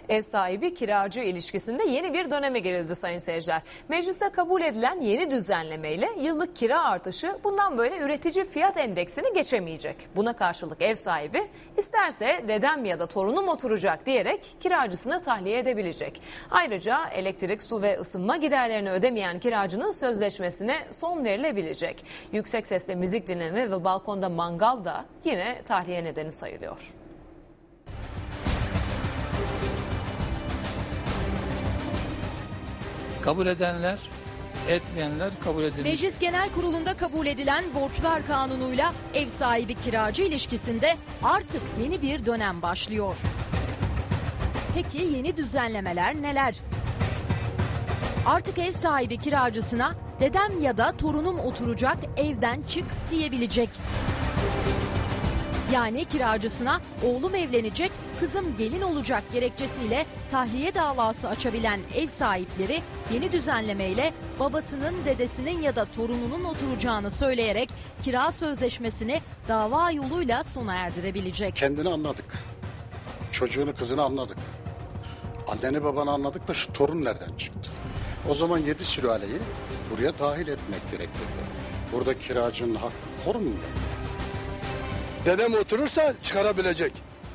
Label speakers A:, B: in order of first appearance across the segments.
A: Ev sahibi kiracı ilişkisinde yeni bir döneme girildi sayın seyirciler. Mecliste kabul edilen yeni düzenlemeyle yıllık kira artışı bundan böyle üretici fiyat endeksini geçemeyecek. Buna karşılık ev sahibi isterse dedem ya da torunum oturacak diyerek kiracısını tahliye edebilecek. Ayrıca elektrik, su ve ısınma giderlerini ödemeyen kiracının sözleşmesine son verilebilecek. Yüksek sesle müzik dinleme ve balkonda mangal da yine tahliye nedeni sayılıyor.
B: Kabul edenler, etmeyenler kabul edilir.
C: Meclis Genel Kurulu'nda kabul edilen Borçlar Kanunu'yla ev sahibi kiracı ilişkisinde artık yeni bir dönem başlıyor. Peki yeni düzenlemeler neler? Artık ev sahibi kiracısına dedem ya da torunum oturacak, evden çık diyebilecek. Yani kiracısına oğlum evlenecek, kızım gelin olacak gerekçesiyle tahliye davası açabilen ev sahipleri yeni düzenlemeyle babasının, dedesinin ya da torununun oturacağını söyleyerek kira sözleşmesini dava yoluyla sona erdirebilecek.
D: Kendini anladık. Çocuğunu, kızını anladık. Anneni babanı anladık da şu torun nereden çıktı? O zaman 7 sülaleyi buraya dahil etmek gerekirdi. Burada kiracının hakkı korunmuyor.
E: Dedem oturursa çıkarabilecek.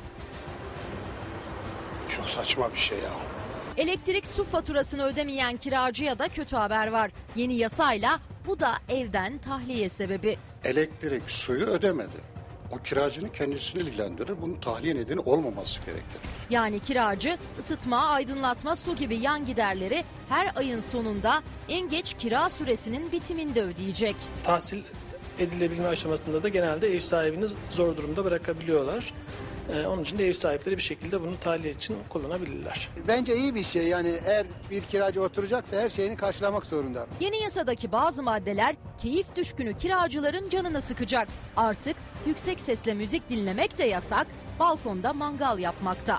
E: Çok saçma bir şey ya.
C: Elektrik, su faturasını ödemeyen kiracıya da kötü haber var. Yeni yasayla bu da evden tahliye sebebi.
D: Elektrik, suyu ödemedi. O kiracının kendisini ilgilendirir. Bunun tahliye nedeni olmaması gerekir.
C: Yani kiracı ısıtma, aydınlatma, su gibi yan giderleri her ayın sonunda en geç kira süresinin bitiminde ödeyecek.
F: Tahsil edilebilme aşamasında da genelde ev sahibini zor durumda bırakabiliyorlar. Onun için de ev sahipleri bir şekilde bunu tahliye için kullanabilirler.
G: Bence iyi bir şey, yani eğer bir kiracı oturacaksa her şeyini karşılamak zorunda.
C: Yeni yasadaki bazı maddeler keyif düşkünü kiracıların canını sıkacak. Artık yüksek sesle müzik dinlemek de yasak, balkonda mangal yapmakta.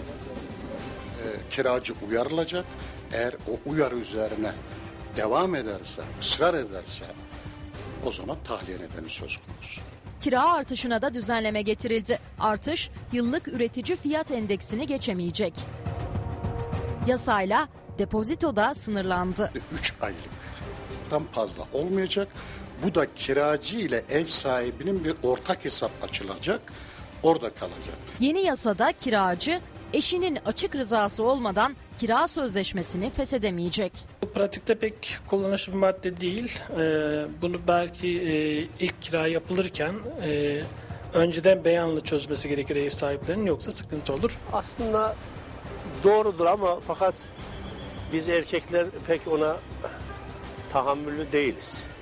D: Kiracı uyarılacak. Eğer o uyarı üzerine devam ederse, ısrar ederse o zaman tahliye nedeni söz konusu.
C: Kira artışına da düzenleme getirildi. Artış yıllık üretici fiyat endeksini geçemeyecek. Yasayla depozito da sınırlandı.
D: 3 aylıktan fazla olmayacak. Bu da kiracı ile ev sahibinin bir ortak hesap açılacak. Orada kalacak.
C: Yeni yasada kiracı eşinin açık rızası olmadan kira sözleşmesini feshedemeyecek.
F: Bu pratikte pek kullanışlı bir madde değil. Bunu belki ilk kira yapılırken önceden beyanla çözmesi gerekir ev sahiplerinin, yoksa sıkıntı olur.
H: Aslında doğrudur ama fakat biz erkekler pek ona tahammüllü değiliz.